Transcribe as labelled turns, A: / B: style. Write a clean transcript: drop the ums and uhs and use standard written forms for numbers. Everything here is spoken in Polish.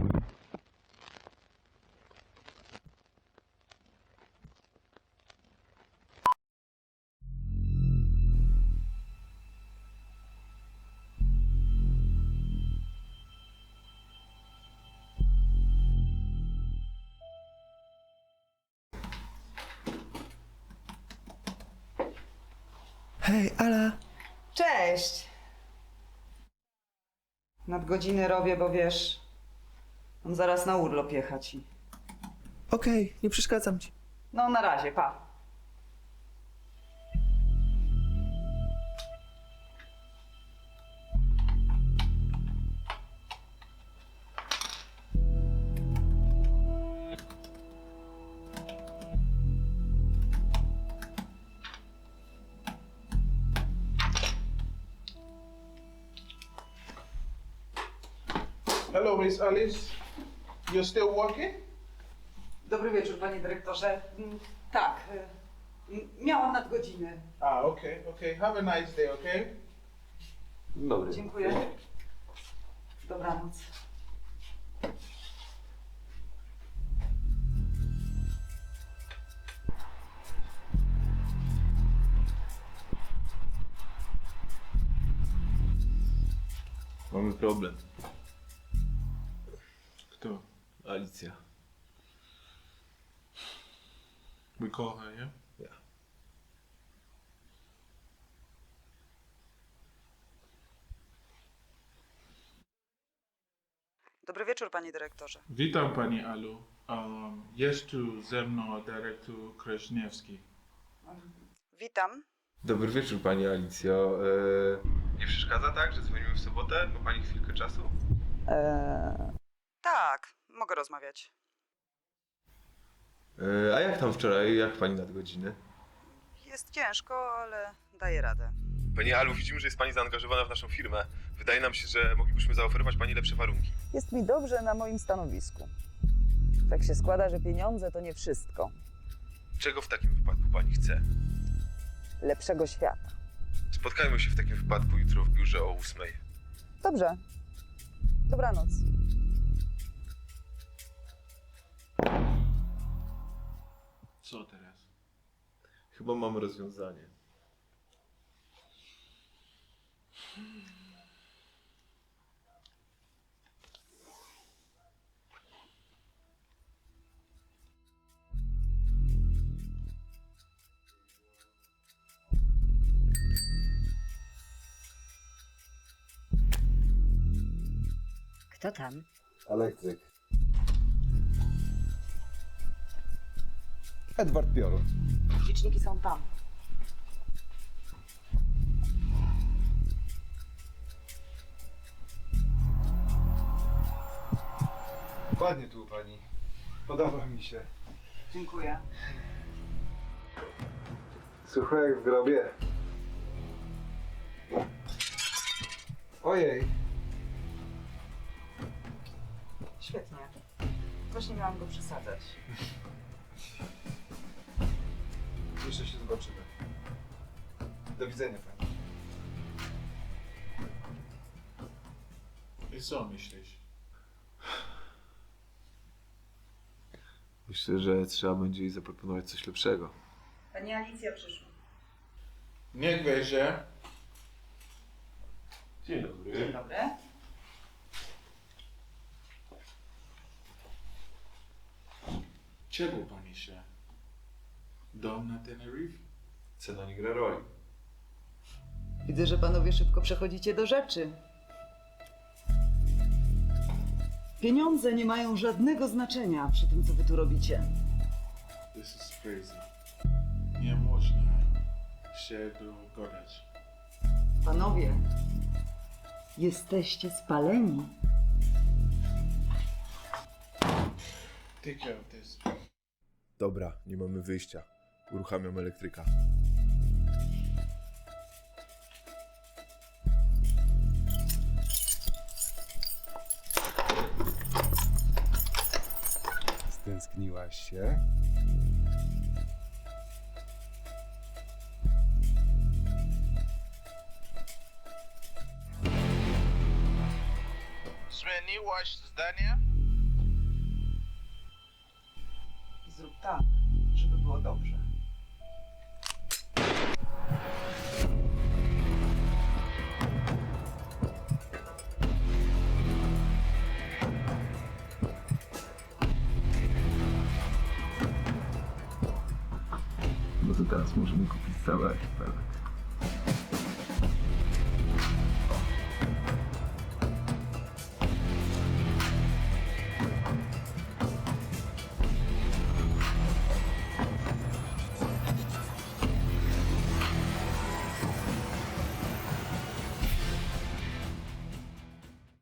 A: Hej, Ala!
B: Cześć! Nadgodziny robię, bo wiesz, mam zaraz na urlop jechać i...
A: Okej, nie przeszkadzam ci.
B: No na razie, pa.
C: Hello, Miss Alice. You're still working?
B: Dobry wieczór, panie dyrektorze. Tak, miałam nadgodziny.
C: Okay. Have a nice day, okay?
A: Dobry.
B: Dziękuję. Dobranoc.
D: Mamy problem.
C: Kto?
D: Alicja.
C: We call her, yeah?
D: Ja.
B: Dobry wieczór, panie dyrektorze.
C: Witam pani Alu. Jest tu ze mną dyrektor Kraśniewski.
B: Witam.
D: Dobry wieczór pani Alicjo. Nie przeszkadza tak, że dzwonimy w sobotę? Ma pani chwilkę czasu?
B: Tak, mogę rozmawiać.
D: A jak tam wczoraj? Jak pani nadgodziny?
B: Jest ciężko, ale daję radę.
D: Pani Alu, widzimy, że jest pani zaangażowana w naszą firmę. Wydaje nam się, że moglibyśmy zaoferować pani lepsze warunki.
E: Jest mi dobrze na moim stanowisku. Tak się składa, że pieniądze to nie wszystko.
D: Czego w takim wypadku pani chce?
E: Lepszego świata.
D: Spotkajmy się w takim wypadku jutro w biurze o 8:00.
E: Dobrze. Dobranoc.
C: Co teraz?
D: Chyba mamy rozwiązanie.
F: Kto tam?
G: Elektryk. Edward Piorun.
B: Liczniki są tam.
G: Ładnie tu u pani. Podoba mi się.
B: Dziękuję.
G: Sucho jak w grobie. Ojej.
B: Świetnie. Właśnie miałam go przesadzać.
G: Jeszcze się zobaczymy. Do widzenia pani.
C: I co myślisz?
D: Myślę, że trzeba będzie jej zaproponować coś lepszego.
B: Pani Alicja przyszła.
C: Niech wejdzie.
D: Dzień dobry.
B: Dzień dobry.
C: Czego pani się? Dom na Tenerife?
D: Cena nie gra roli.
B: Widzę, że panowie szybko przechodzicie do rzeczy. Pieniądze nie mają żadnego znaczenia przy tym, co wy tu robicie.
C: This is crazy. Nie można się dogadać.
B: Panowie, jesteście spaleni.
C: Take care of this.
D: Dobra, nie mamy wyjścia. Uruchamiam elektryka.
G: Stęskniłaś się?
C: Zmieniłaś zdanie?
B: tak, żeby było dobrze.
D: No to teraz możemy kupić całe archipelag.